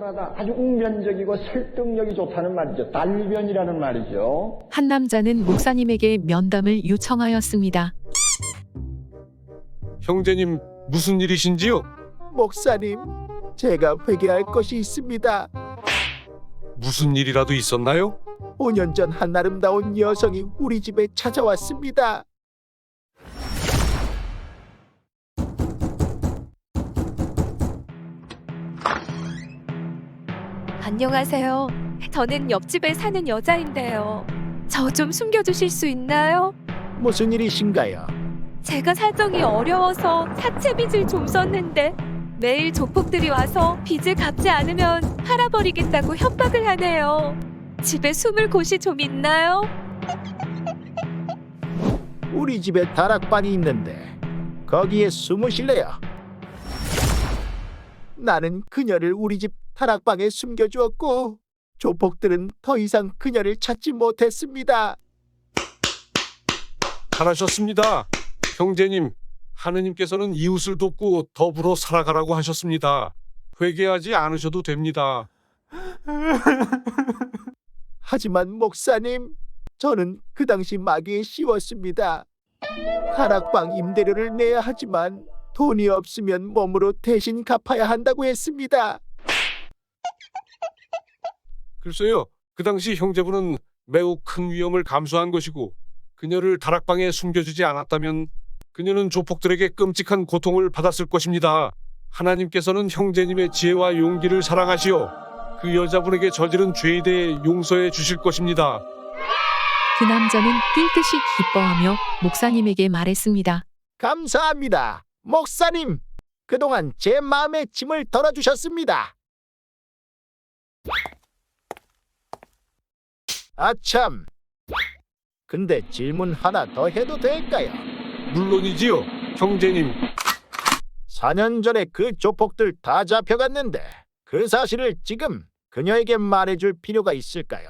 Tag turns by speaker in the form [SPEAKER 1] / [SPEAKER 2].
[SPEAKER 1] 시원하다. 아주 웅변적이고 설득력이 좋다는 말이죠. 달변이라는 말이죠.
[SPEAKER 2] 한 남자는 목사님에게 면담을 요청하였습니다.
[SPEAKER 3] 형제님, 무슨 일이신지요?
[SPEAKER 4] 목사님, 제가 회개할 것이 있습니다.
[SPEAKER 3] 무슨 일이라도 있었나요?
[SPEAKER 4] 5년 전 한 아름다운 여성이 우리 집에 찾아왔습니다.
[SPEAKER 5] 안녕하세요. 저는 옆집에 사는 여자인데요. 저 좀 숨겨주실 수 있나요?
[SPEAKER 4] 무슨 일이신가요?
[SPEAKER 5] 제가 사정이 어려워서 사채 빚을 좀 썼는데 매일 조폭들이 와서 빚을 갚지 않으면 팔아버리겠다고 협박을 하네요. 집에 숨을 곳이 좀 있나요?
[SPEAKER 4] 우리 집에 다락방이 있는데 거기에 숨으실래요? 나는 그녀를 우리 집 다락방에 숨겨주었고 조폭들은 더 이상 그녀를 찾지 못했습니다.
[SPEAKER 3] 잘하셨습니다. 형제님, 하느님께서는 이웃을 돕고 더불어 살아가라고 하셨습니다. 회개하지 않으셔도 됩니다.
[SPEAKER 4] 하지만 목사님, 저는 그 당시 마귀에 씌웠습니다. 다락방 임대료를 내야 하지만 돈이 없으면 몸으로 대신 갚아야 한다고 했습니다.
[SPEAKER 3] 글쎄요, 그 당시 형제분은 매우 큰 위험을 감수한 것이고 그녀를 다락방에 숨겨주지 않았다면 그녀는 조폭들에게 끔찍한 고통을 받았을 것입니다. 하나님께서는 형제님의 지혜와 용기를 사랑하시어 그 여자분에게 저지른 죄에 대해 용서해 주실 것입니다.
[SPEAKER 2] 그 남자는 뛸 듯이 기뻐하며 목사님에게 말했습니다.
[SPEAKER 4] 감사합니다. 목사님, 그동안 제 마음의 짐을 덜어주셨습니다. 아참, 근데 질문 하나 더 해도 될까요?
[SPEAKER 3] 물론이지요, 형제님.
[SPEAKER 4] 4년 전에 그 조폭들 다 잡혀갔는데 그 사실을 지금 그녀에게 말해줄 필요가 있을까요?